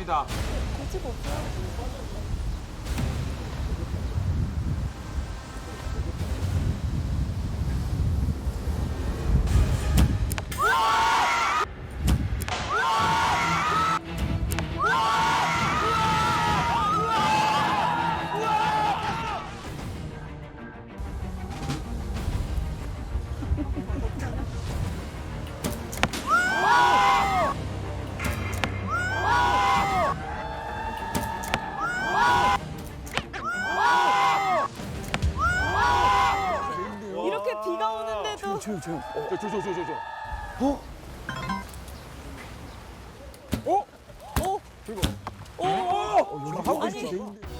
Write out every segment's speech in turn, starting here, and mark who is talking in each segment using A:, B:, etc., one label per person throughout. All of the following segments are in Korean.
A: 갑니다.
B: 고치가 없어요. 이렇게 비가 오는데도
A: 저.
B: 하고
A: 있어.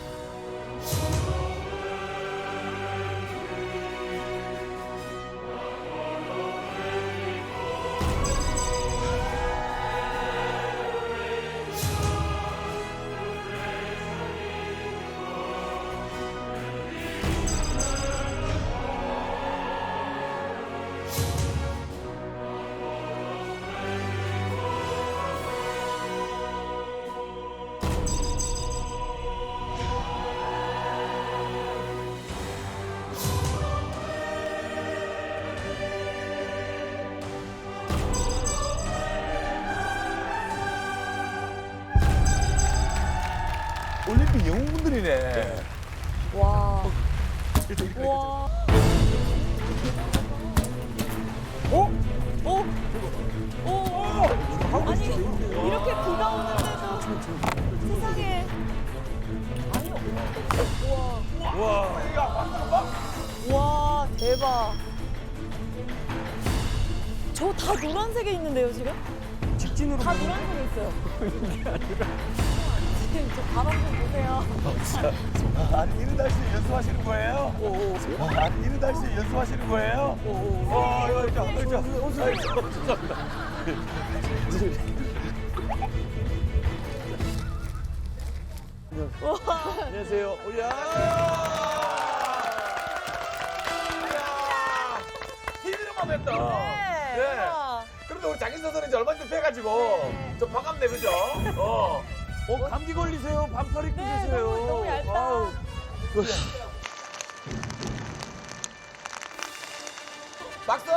A: 올림픽 영웅분들이네.
B: 와. 와.
A: 어?
B: 오. 오. 아니 이렇게 비가 오는데도 세상에. 아니
A: 와.
B: 와 대박. 저 다 노란색에 있는데요 지금?
A: 직진으로.
B: 다 노란색에 있어요. 지금 저 바람 좀 보세요.
A: 아니, 이런 날씨에 연습하시는 거예요? 아니, 이런 날씨에 연습하시는 거예요? 이거. 죄송합니다. 안녕하세요. TV로만 했다.
B: 네.
A: 그런데 우리 장인 선수는 이제 얼마 전에 뵈가지고 좀 반갑네, 그죠? 감기 걸리세요? 반팔 입고
B: 네,
A: 계세요.
B: 너무 얇다.
A: 아우. 박수!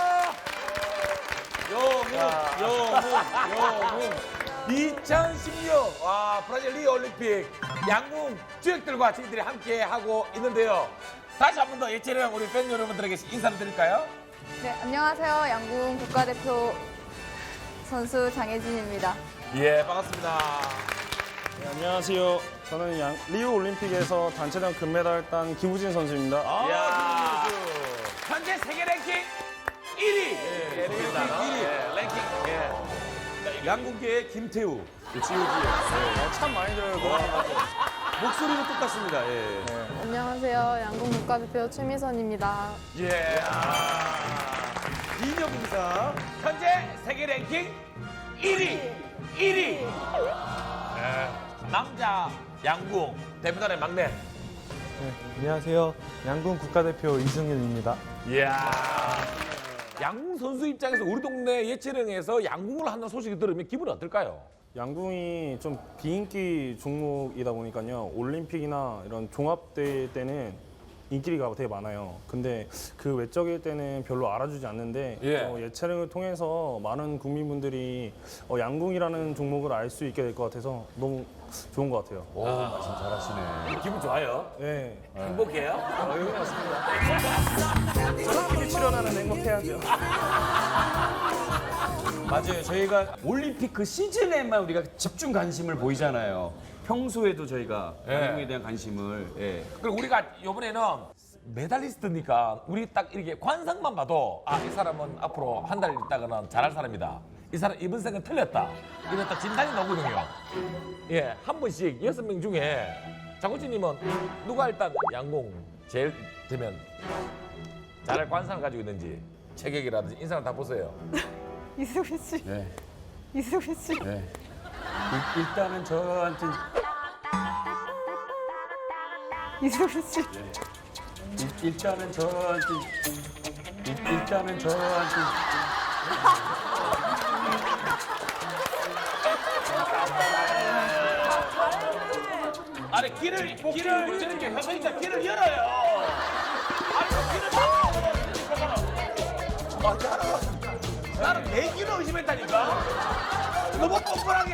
A: 영웅. 2016 브라질 리오 올림픽 양궁 주역들과 저희들이 함께 하고 있는데요. 다시 한 번 더 예체능 우리 팬 여러분들에게 인사를 드릴까요?
C: 네, 안녕하세요. 양궁 국가대표 선수 장혜진입니다.
A: 예, 반갑습니다.
D: 네, 안녕하세요. 저는 리우 올림픽에서 단체전 금메달 딴 김우진 선수입니다.
A: 야, 현재 세계 랭킹 1위. 랭킹 1위. 양궁계의 김태우.
D: 참 많이 들어요.
A: 목소리는 똑같습니다.
C: 안녕하세요. 양궁 국가대표 최미선입니다.
A: 이인혁 인사. 현재 세계 랭킹 1위. 남자 양궁 대표단의 막내.
D: 안녕하세요. 양궁 국가대표 이승윤입니다.
A: 이야. 양궁 선수 입장에서 우리 동네 예체능에서 양궁을 한다는 소식이 들으면 기분이 어떨까요?
D: 양궁이 좀 비인기 종목이다 보니까요. 올림픽이나 이런 종합대회 때는 인기가 되게 많아요. 근데 그 외적일 때는 별로 알아주지 않는데 예체능을 통해서 많은 국민분들이 양궁이라는 종목을 알 수 있게 될 것 같아서 너무 좋은 것 같아요.
A: 말씀 잘하시네. 기분 좋아요?
D: 네.
A: 행복해요?
D: 올림픽에 출연하는 행복해야죠.
E: 맞아요. 저희가 올림픽 그 시즌에만 우리가 집중 관심을 보이잖아요. 평소에도 저희가 양궁에 대한 관심을
A: 그리고 우리가 이번에는 메달리스트니까 우리 딱 이렇게 관상만 봐도 이 사람은 앞으로 한 달 있다가는 잘할 사람이다. 이 사람 이번 생은 틀렸다. 이런 딱 진단이 나오거든요. 한 번씩 6명 중에 장호진님은 누가 일단 양궁 제일 되면 잘할 관상을 가지고 있는지 체격이라든지 인상을 다 보세요.
C: 이승훈 씨.
E: 네.
C: 이승훈 씨.
E: 네. 일단은 저한테
C: 이승훈 씨.
E: 일단은 저한테
A: 아니 길을 저렇게 형 진짜 길을 열어요. 아니 길을 다 나는 내 길을 의심했다니까. 너무 뻔뻔하게.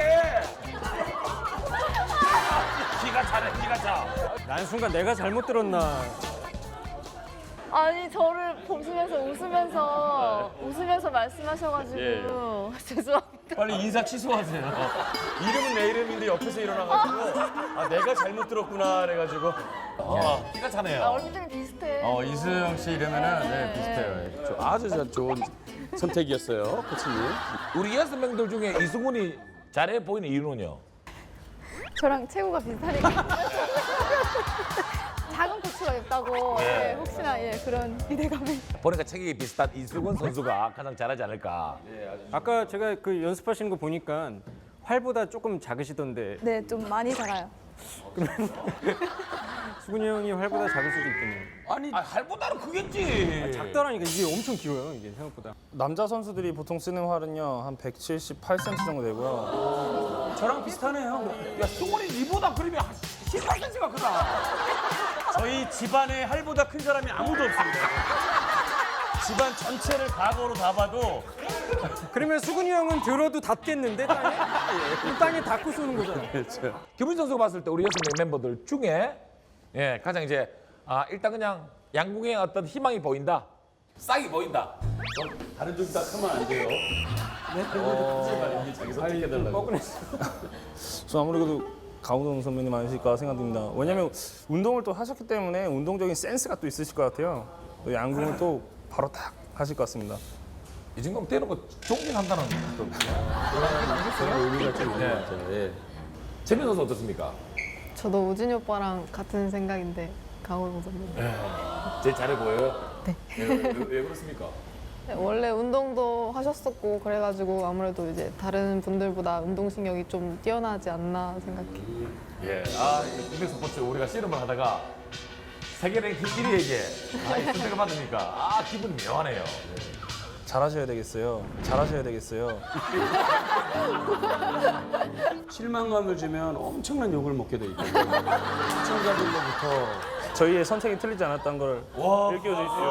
A: 기가 차네 기가 차.
F: 난 순간 내가 잘못 들었나.
C: 아니 저를 보시면서 웃으면서 말씀하셔가지고 죄송합니다.
F: 빨리 인사 취소하세요. 이름은 내 이름인데 옆에서 일어나가지고 아 내가 잘못 들었구나 그래가지고
A: 기가 차네요.
C: 얼굴이 비슷해.
F: 이수영 씨 이러면은 네, 비슷해요.
E: 아주 좋은 선택이었어요, 코치님.
A: 우리 6명들 중에 이승훈이 잘해 보이는 이유는요?
C: 저랑 체구가 비슷하니까. 작은 고추가 있다고 예, 혹시나 예, 그런 기대감을.
A: 보니까 체격이 비슷한 이승훈 선수가 가장 잘하지 않을까.
F: 아까 제가 그 연습하시는 거 보니까 활보다 조금 작으시던데
C: 네, 좀 많이 작아요.
F: 수근이 형이 활보다 작을 수도 있겠네요.
A: 아니 할보다는 크겠지.
F: 작다라니까 이게 엄청 길어요 이게 생각보다.
D: 남자 선수들이 보통 쓰는 활은요 한 178cm 정도 되고요.
F: 저랑 비슷하네요.
A: 야 승훈이 니보다 그러면 한 18cm가 크다.
F: 저희 집안에 활보다 큰 사람이 아무도 없습니다. 집안 전체를 과거로 다 봐도 그러면 수근이 형은 들어도 닿겠는데 땅에? 땅에 닿고 쏘는 거잖아요.
A: 김훈 선수가 봤을 때 우리 6명 멤버들 중에 가장 이제 일단 그냥 양궁에 어떤 희망이 보인다. 싹이 보인다.
E: 다른 쪽 딱 하면 안 돼요. 자기 선택해달라고.
D: 저 아무래도 강호동 선배님 아니실까 생각됩니다. 왜냐면 운동을 또 하셨기 때문에 운동적인 센스가 또 있으실 것 같아요. 또 양궁을 또 바로 딱 하실 것 같습니다.
A: 이 정도면 대놓고 존경한다는 또
E: 의미가 좀 있는 것 같아요. 예.
A: 재민 선수 어떻습니까?
C: 저도 우진이 오빠랑 같은 생각인데 강호동 선배님.
A: 제일 잘해 보여요? 네. 왜 그렇습니까?
C: 네, 원래 운동도 하셨었고 그래가지고 아무래도 이제 다른 분들보다 운동신경이 좀 뛰어나지 않나 생각해요.
A: 예. 국내 스포츠 우리가 씨름을 하다가 세계 랭킹 1위에게 이 선택을 받으니까 기분이 묘하네요.
D: 잘하셔야 되겠어요. 잘하셔야 되겠어요.
E: 실망감을 주면 엄청난 욕을 먹게 돼 있거든요. 시청자들로부터
D: 저희의 선택이 틀리지 않았다는 걸 일깨워주십시오.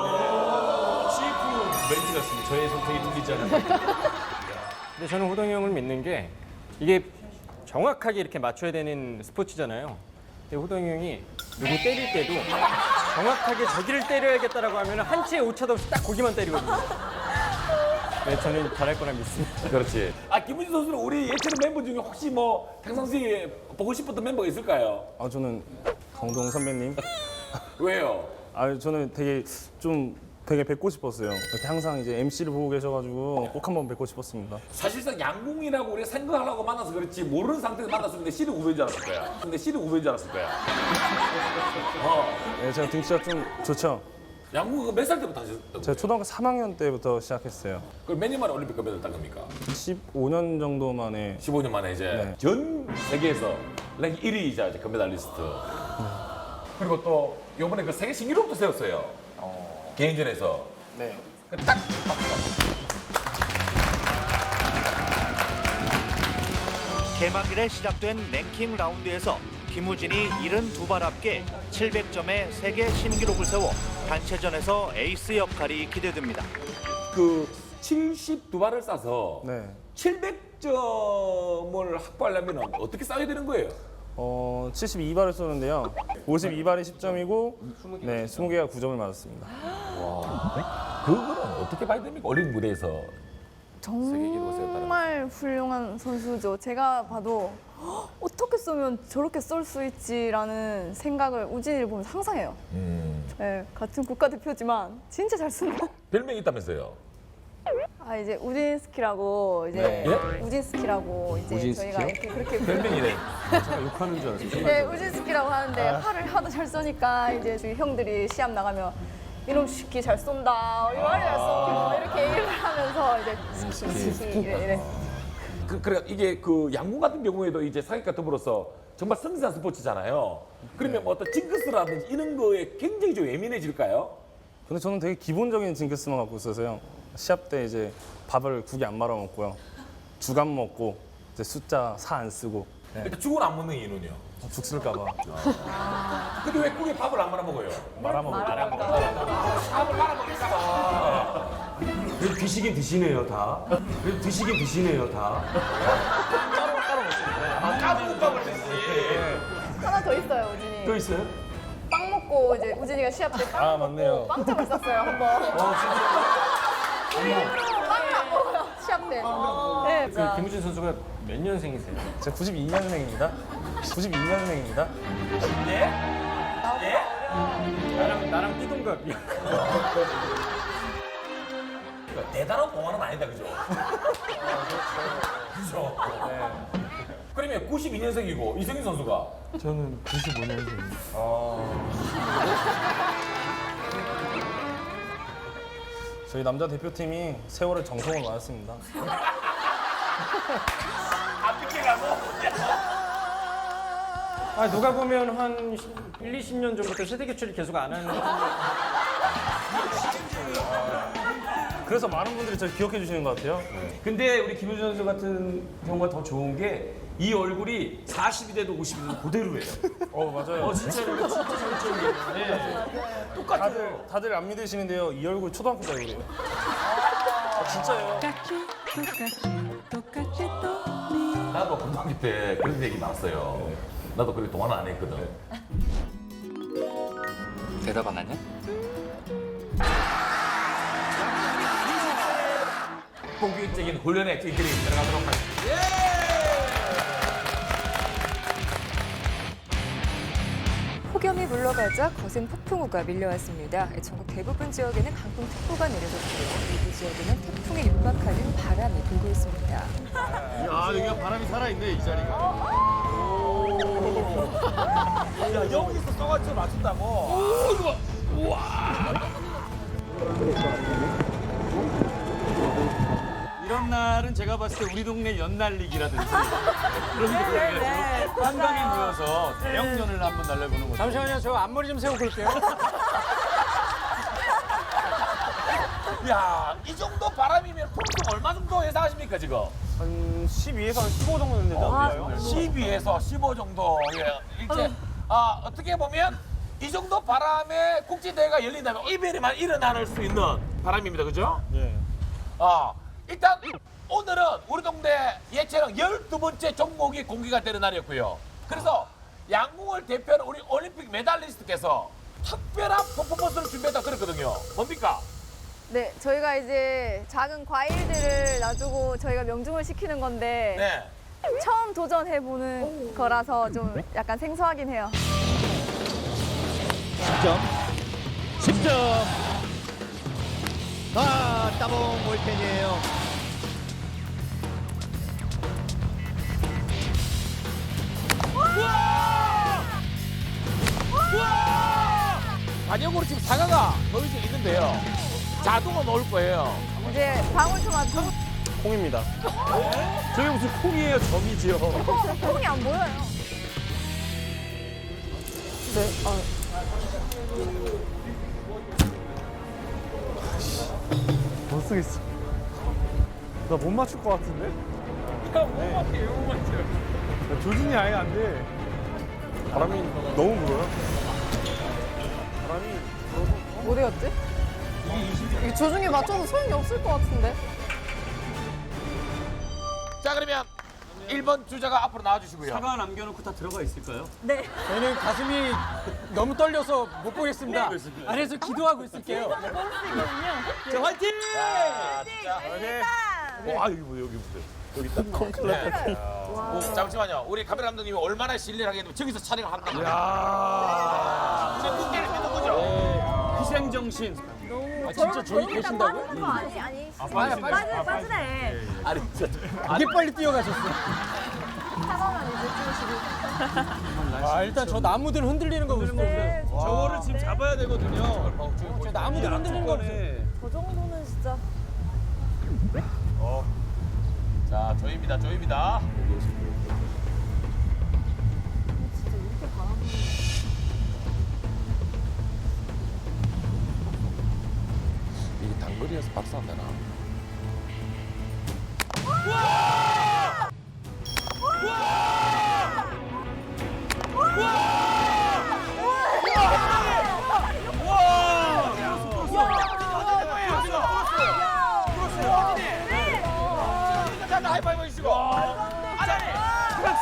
E: CF 멘트 같습니다. 저의 선택이 틀리지 않은
F: 근데 저는 호동이 형을 믿는 게 이게 정확하게 이렇게 맞춰야 되는 스포츠잖아요. 근데 호동이 형이 누구 때릴 때도 정확하게 저기를 때려야겠다라고 하면 한 치의 오차도 없이 딱 거기만 때리거든요. 네, 저는 잘할 거라 믿습니다.
A: 그렇지. 김훈진 선수는 우리 예체능 멤버 중에 혹시 뭐 평상시에 보고 싶었던 멤버가 있을까요?
D: 저는 강호동 선배님.
A: 왜요?
D: 저는 되게 뵙고 싶었어요. 이렇게 항상 이제 MC를 보고 계셔가지고 꼭 한번 뵙고 싶었습니다.
A: 사실상 양궁이라고 우리가 생각하려고 만나서 그렇지 모르는 상태에서 만났으면 내 씨는 우배인 줄 알았을 거야. 근데 씨는 우배인 줄 알았을 거야.
D: 네, 제가 등치가 좀 좋죠.
A: 양궁 몇 살 때부터 하셨던
D: 제가 초등학교 3학년 때부터 시작했어요.
A: 그럼 몇 년 만에 올림픽 금메달 딴 겁니까?
D: 15년 정도 만에
A: 15년 만에 이제
D: 네.
A: 전 세계에서 랭킹 1위이자 이제 금메달리스트. 그리고 또 이번에 그 세계 신기록도 세웠어요. 개인전에서.
D: 네.
A: 딱
G: 개막일에 시작된 랭킹 라운드에서 김우진이 72발 합계 700점의 세계 신기록을 세워 단체전에서 에이스 역할이 기대됩니다.
A: 그 72발을 쏴서
D: 네.
A: 700점을 확보하려면 어떻게 쏴야 되는 거예요?
D: 72발을 쏘는데요. 52발이 10점이고 네, 20개가 9점을 맞았습니다.
A: 그거는 어떻게 봐야 됩니까? 올림픽 무대에서 기록을 세웠다는
H: 정말 훌륭한 선수죠. 제가 봐도 어떻게 쏘면 저렇게 쏠 수 있지라는 생각을 우진이를 보면서 항상 해요. 네, 같은 국가대표지만 진짜 잘 쏜다.
A: 별명이 있다면서요?
H: 이제 우진 스키라고 이제
A: 네.
H: 우진 스키라고 이제
E: 우진
H: 저희가
E: 스키요?
H: 이렇게 그렇게
A: 별명이래.
E: 제가 욕하는 줄 알았어요.
H: 네, 우진 스키라고 하는데 팔을 하도 잘 쏘니까 이제 저희 형들이 시합 나가면 이놈 스키 잘 쏜다, 이말이 잘 쏘, 이렇게 얘기를 하면서 이제 스키 이래.
A: 그래 이게 그 양궁 같은 경우에도 이제 사격과 더불어서 정말 성실한 스포츠잖아요. 그러면 뭐 어떤 징크스라든지 이런 거에 굉장히 좀 예민해질까요?
D: 근데 저는 되게 기본적인 징크스만 갖고 있어서요. 시합 때 이제 밥을 국에 안 말아 먹고요. 죽 안 먹고 이제 숫자 4 안 쓰고
A: 일단 죽은 안 먹는 이유는요?
D: 죽 쓸까봐
A: 근데 왜 국에 밥을 안 말아 먹어요?
D: 말아먹을 때.
A: 밥을 말아 먹을까봐.
E: 그래도 드시긴 드시네요 다. 그래도 드시긴 드시네요 다.
A: 까부국밥을 드시.
H: 하나 더 있어요, 우진이.
E: 또 있어요?
H: 빵 먹고 이제 우진이가 시합 때 빵
D: 아,
H: 먹고
D: 맞네요.
H: 빵점을 쌌어요, 한 번. 빵을 안 먹어요, 시합 때. 네.
F: 그 김우진 선수가 몇 년생이세요?
D: 제가 92년생입니다. 92년생입니다.
A: 예?
F: 나랑 띠동갑이야.
A: 그러니까 대단한 공헌은 아니다, 그죠? 그죠? 그러면 92년생이고 이승윤 선수가
D: 저는 95년생입니다. 저희 남자 대표팀이 세월의 정성을 맞았습니다.
A: 안 삐끼라고?
F: 아 누가 보면 한 1, 20년 전부터 세대 교체를 계속 안 하는.
D: 그래서 많은 분들이 저를 기억해 주시는 것 같아요.
E: 근데 우리 김우진 선수 같은 경우가 더 좋은 게 이 얼굴이 40이 돼도 50이 돼도 그대로예요.
D: 맞아요.
E: 진짜로 진짜 장점이에요. 네.
D: 다들 안 믿으시는데요. 이 얼굴 초등학교 때 얼굴이에요. 진짜요.
A: 나도 고등학교 때 그런 얘기 나왔어요. 나도 그렇게 동안 안 했거든.
I: 대답 안 하냐?
A: 본격적인 훈련에 저희들이 들어가도록 하겠습니다.
J: 폭염이 물러가자 거센 폭풍우가 밀려왔습니다. 전국 대부분 지역에는 강풍특보가 내려졌고요. 일부 지역에는 태풍에 육박하는 바람이 불고 있습니다.
E: 아 여기가 바람이 살아있네 이 자리가.
A: 야, 여기서 써가지고 맞춘다고? 오, 이거 봐. 우와.
E: 이런 날은 제가 봤을 때 우리 동네 연날리기라든지 그런 거 해가지고 한강에 모여서 대형연을 한번 날려보는 거죠.
F: 잠시만요, 저 앞머리 좀 세우고 올게요.
A: 야, 이 정도 바람이면 풍속 얼마 정도 예상하십니까, 지금?
D: 한 12에서 한 15 정도 되지 않나요?
A: 12에서 15 정도. 예. 이제 어떻게 보면 이 정도 바람에 국제대회가 열린다면 이별이만 일어날 수 있는 바람입니다. 그죠?
D: 예.
A: 일단 오늘은 우리 동네 예체능 12번째 종목이 공개가 되는 날이었고요. 그래서 양궁을 대표하는 우리 올림픽 메달리스트께서 특별한 퍼포먼스를 준비했다 그랬거든요. 뭡니까?
H: 네, 저희가 이제 작은 과일들을 놔두고 저희가 명중을 시키는 건데
A: 네.
H: 처음 도전해보는 거라서 좀 약간 생소하긴 해요.
G: 10점. 따봉 볼펜이에요.
A: 반영으로 지금 사과가 보여지고 있는데요. 자동으로 넣을 거예요.
H: 이제 방울토마토.
D: 콩입니다.
E: 저게 무슨 콩이에요 점이지요.
H: 콩이 안 보여요.
D: 못 쓰겠어. 나 못 맞출 것 같은데? 못 맞춰요. 조준이 아예 안 돼. 바람이 너무 불어요. 바람이 불어서.
C: 어디 갔지? 이게 조중에 맞춰서 소용이 없을 것 같은데?
A: 자, 그러면 1번 주자가 앞으로 나와주시고요.
E: 사과 남겨놓고 다 들어가 있을까요?
F: 저희는 가슴이 너무 떨려서 못 보겠습니다. 안에서 기도하고 있을게요.
E: 자 화이팅!
A: 자, 진짜.
E: 와 여기 뭐 여기 보세요. 여기 딱
A: 네. 잠시만요. 우리 카메라 감독님이 얼마나 신뢰를 하겠다면 저기서 촬영을 한다고. 우리 국대를 믿는 거죠?
E: 희생 정신. 아 진짜 저희 계신다고요?
H: 아니.
A: 빠지네. 아니, 진짜.
F: 되게 빨리 뛰어가셨어.
H: 사과만 이제 찍으시고.
F: 일단 저 나무들 흔들리는 거 보세요.
E: 저거를 지금 잡아야 되거든요.
F: 저 나무들 흔들리는 거 보세요.
B: 저 정도는 진짜.
A: 자, 조입니다. 조입니다. 이게 단거리에서 박수 안 되나?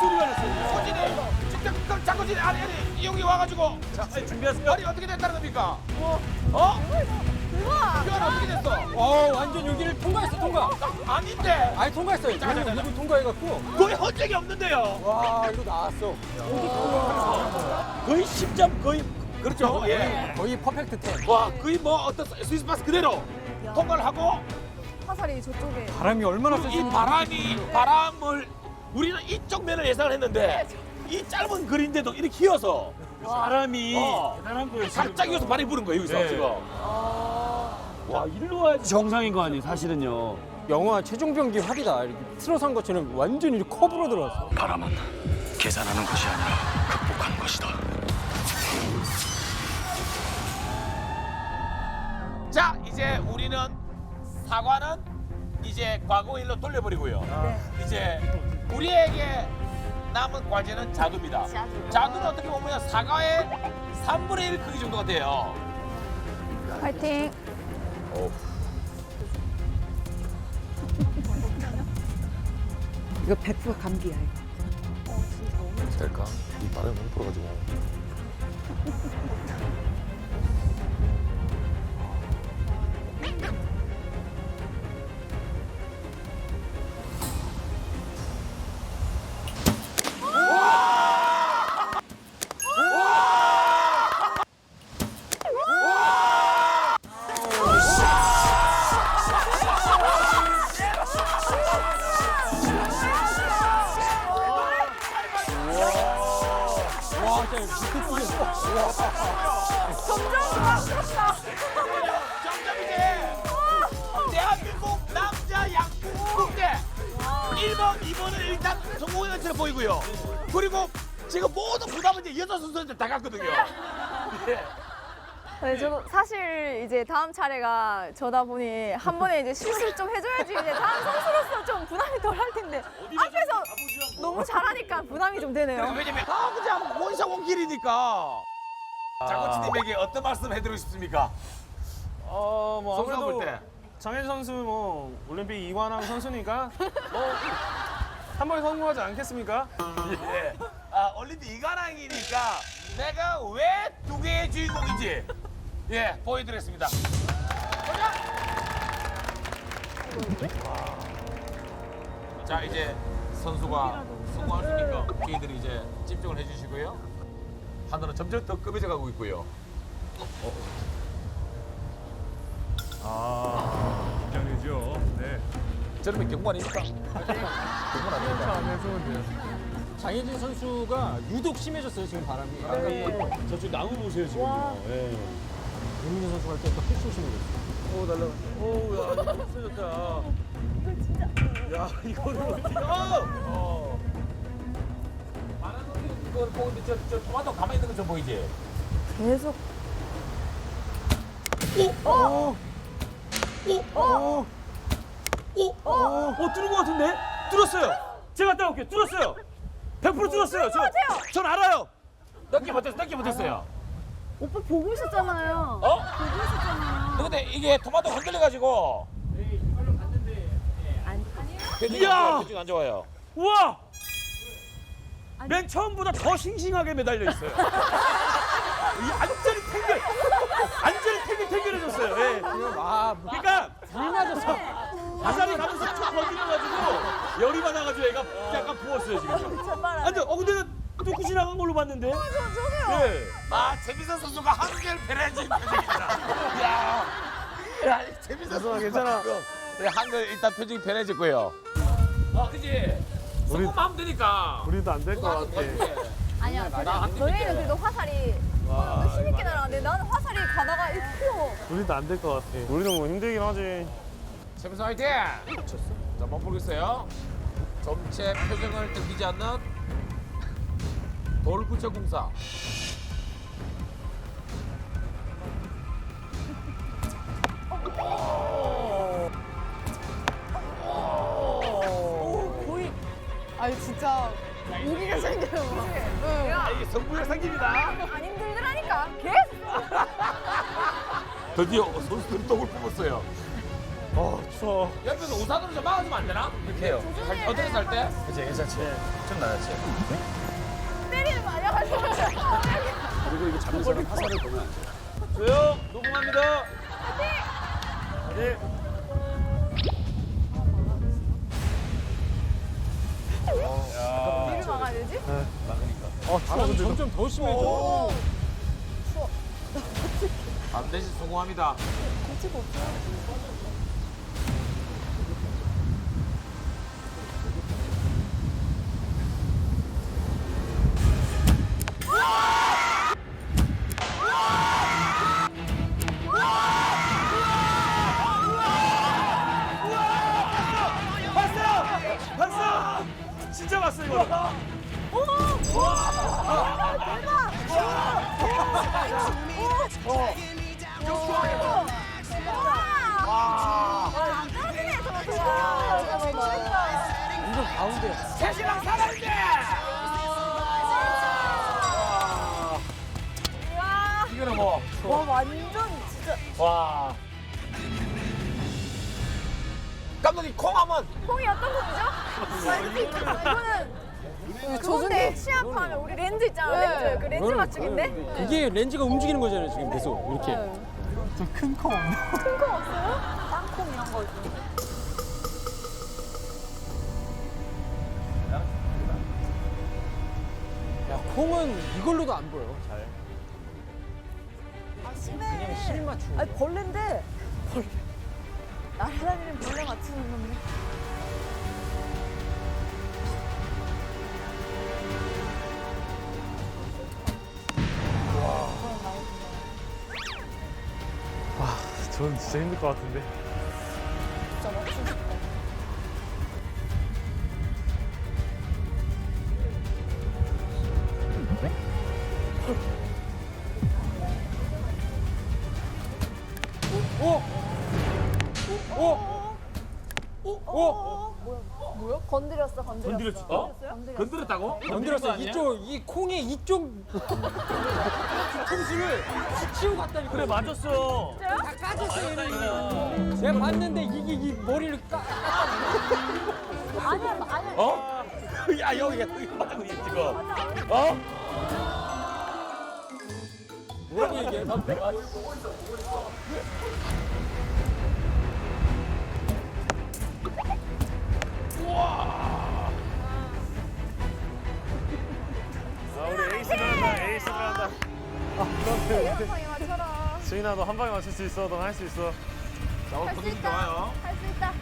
E: 소리가 났어요.
A: 호진이 직접 장고진이 아니 이용이 와가지고
E: 자, 준비하세요.
A: 머리 어떻게 됐다는 겁니까? 어? 이건 어떻게 됐어?
F: 완전 여기를 통과했어, 통과.
A: 아닌데
F: 아니, 통과했어요. 이거 통과해갖고.
A: 거의 헌적이 없는데요.
F: 와, 이거 나왔어.
A: 거의 10점 거의 그렇죠. 예.
F: 거의 퍼펙트 10.
A: 와 거의 뭐 어떤 스위스 파스 그대로 통과를 하고
H: 화살이 저쪽에.
F: 바람이 얼마나
A: 이 바람을 우리는 이쪽 면을 예상을 했는데 이 짧은 거리인데도 이렇게 휘어서
E: 사람이 대단한 거예요. 지금.
A: 갑자기 휘어서 발이 부른 거예요 여기서
E: 네.
A: 지금.
E: 와, 일로 와야지 정상인 거 아니에요, 사실은요.
F: 영화 최종병기 활이다. 이렇게 틀어서 한 것처럼 완전히 커브로 들어왔어.
G: 바람은 계산하는 것이 아니라 극복하는 것이다.
A: 자 이제 우리는 사과는 이제 과거 일로 돌려버리고요. 이제 우리에게 남은 과제는 자두입니다. 자두는 어떻게 보면 사과의 3분의 1 크기 정도가 돼요.
H: 파이팅.
B: 이거 100% 감기야. 이거.
A: 될까? 이 바람이 너무 불어가지고. 점점 이제 대한민국 남자 양궁 국대 1번, 2번은 일단 성공한 것처럼 보이고요. 그리고 지금 모든 부담은 이제 여자 선수한테 다 갔거든요.
H: 네, 저도 사실 이제 다음 차례가 저다 보니 한 번에 이제 실수를 좀 해줘야지 이제 다음 선수로서 좀 부담이 덜 할 텐데 앞에서 너무 잘하니까 부담이 좀 되네요.
A: 왜냐면 그냥 원샷원킬이니까. 장코치님에게 어떤 말씀 해드리고 싶습니까?
D: 뭐
A: 선수가 볼
D: 아무래도
A: 때.
D: 장현 선수 뭐 올림픽 2관왕 선수니까 뭐 한 번에 성공하지 않겠습니까?
A: 예. 올림픽 이관왕이니까 내가 왜 두 개의 주인공인지 예 보여드렸습니다. 자 이제 선수가 성공할 수 있게끔 저희들이 이제 집중을 해주시고요. 하늘은 점점 더 급해져 가고 있고요.
I: 긴장되죠. 네.
A: 저러면 경고 아닙니까? 경고는 아닙니다.
F: 장혜진 선수가 유독 심해졌어요, 지금 바람이.
E: 저쪽 나무 보세요, 지금요. 예.
F: 윤민희 선수 갈 때부터 필수 심해졌어.
E: 오, 날라가. 오, 야, 이거 없어졌다. 야, 이거를 어떻게.
A: 많은 분들이 그걸 보는데 저 토마토 가만히 있는 거 좀 보이지?
H: 계속
E: 뚫은 것 같은데? 뚫었어요. 제가 갔다 올게요. 뚫었어요. 100% 뚫었어요. 전 알아요.
A: 넘게 못했어요.
H: 오빠 보고 있었잖아요.
A: 어? 근데 이게 토마토 흔들려가지고.
E: 이야!
A: 표정이 안 좋아요.
E: 우와! 맨 처음보다 더 싱싱하게 매달려 있어요. 이 완전히 탱글해졌어요. 예. 그러니까
F: 불 맞았어.
E: 화살이 가면서 쭉 건드려가지고 열이 받아가지고 애가 약간 부었어요 지금. 완전 근데 뚫고 지나간 걸로 봤는데.
H: 저도요.
E: 예.
A: 재미선 선수가 한결 배려진 표정입니다. 야, 재미선 선수
D: 괜찮아.
A: 네, 한결 일단 표정이 변해졌고요. 그지? 성공하면 되니까.
D: 우리도 안 될 것 같아.
H: 아니야, 저희는 그래도 화살이 힘있게 날아가는데 나는 화살이 가다가 이렇게
D: 우리도 안 될 것 같아. 우리도 뭐 힘들긴 하지.
A: 재미선 화이팅! 자, 멈추겠어요. 점체 표정을 들키지 않는 돌구체공사.
C: 아니 진짜 우기가 생겨요.
A: 이게 성부의 상입니다.
H: 안 힘들더라니까. 계속.
A: 드디어 선수들이 똥을 뽑았어요.
D: 추워.
A: 옆에서 우산으로 좀 막아주면 안 되나? 이렇게 해요. 어떻게 살 때?
D: 그치, 괜찮지. 좀 나았지.
H: 때리는 거 아니야?
E: 그리고 이거 잠에서 화살을 보면 안 돼. 조용 녹음합니다.
D: 네.
H: 뒤를 막아야 되지?
F: 바람이 점점 더 심해져.
A: 반드시 성공합니다.
D: 봤어! 진짜 봤어, 이거.
A: 새신랑 살아있네! 이거는 뭐.
H: 와 완전 진짜
A: 와. 감독님 콩 한번.
H: 콩이 어떤 콩이죠? 이거는 그건데 시합하면 우리 렌즈 있잖아 렌즈 그 렌즈 맞추기인데
F: 그게 렌즈가 움직이는 거잖아요, 지금 계속. 이렇게.
H: 큰 콩 없어요? 땅콩 이런 거
F: 야, 콩은 이걸로도 안 보여, 잘.
H: 아 심해
F: 그냥 실 맞추고.
H: 아니 벌레인데 벌레 날아다니는 벌레 맞추는 건데
D: 전 진짜 힘들 것 같은데.
H: 진짜 맞추고 싶다 뭐야? 건드렸어.
A: 건드렸다고?
F: 건드렸어. 이쪽, 이 콩의 이쪽 뒤통수를 치고 갔다니까.
D: 그래, 맞았어.
F: 다 까졌어, 얘는. 제가 봤는데 이게 이 머리를
H: 아니야.
A: 어? 야, 여기가 맞고 있지, 지금. 어?
F: 뭐라고 얘기해?
D: 아, 우리 에이스 들어간다, 에이스 들어간다.
H: 이영상이 맞춰라.
D: 수인아, 너 한 방에 맞출 수 있어. 넌 할 수 있어.
A: 자, 오늘 분위기 좋아요.
H: 할 수 있다.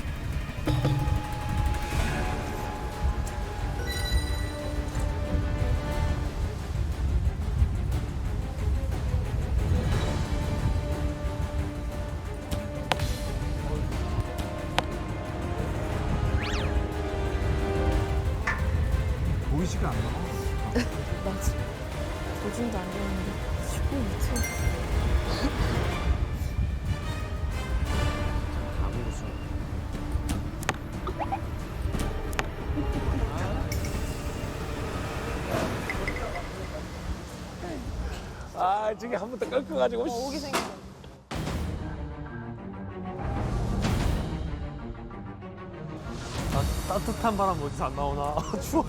I: 보이지가 않나?
B: 맞아. 조준도 안 되는데. 쉬고 있지.
A: 아, 저게 한 번 더 꺾어가지고.
H: 오기 생겼어.
D: 따뜻한 바람 어디서 안 나오나? 추워.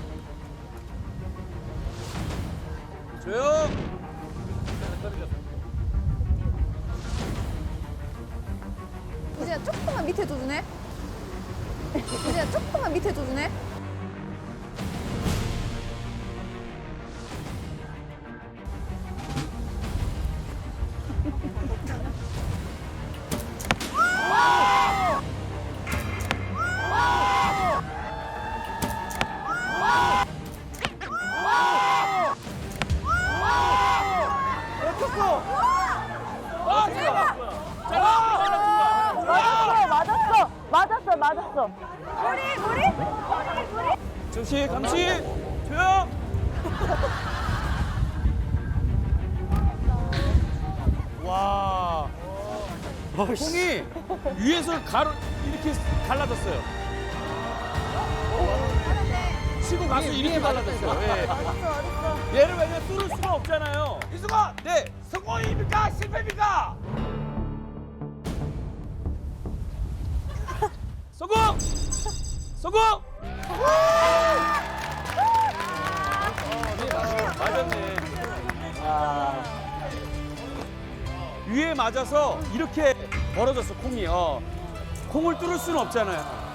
E: 조용.
H: 이제 조금만 밑에 둬주네. 이제 조금만 밑에 둬주네. 맞았어. 우리.
E: 잠시 감시. 조용.
D: 와.
E: 콩이 위에서 가로 이렇게 갈라졌어요. 치고 가서 이렇게 갈라졌어요. 예. 얘를 왜냐면 뚫을 수가 없잖아요.
A: 이승원!
E: 네.
A: 성공입니까? 실패입니까?
E: 성공! 성공! 맞았네. 위에 맞아서 이렇게 벌어졌어, 콩이. 콩을 뚫을 수는 없잖아요.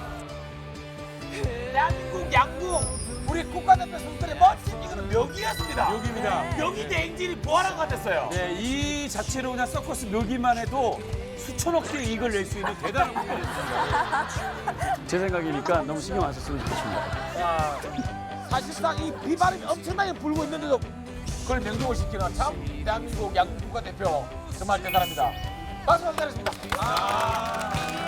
A: 대한민국 양궁 우리 국가대표 선수들의 멋진 이거는 묘기였습니다.
E: 묘기입니다.
A: 묘기 대행진이 부활한 것 같았어요.
E: 네, 이 자체로 그냥 서커스 묘기만 해도 수천억 개의 이익을 낼 수 있는 대단한 공연이었습니다. 제 생각이니까 너무 신경 안 썼으면 좋겠습니다.
A: 사실상 이 비바람이 엄청나게 불고 있는데도 그걸 명중을 시키는 참 대한민국 양궁 국가대표 정말 대단합니다. 박수 부탁드리겠습니다.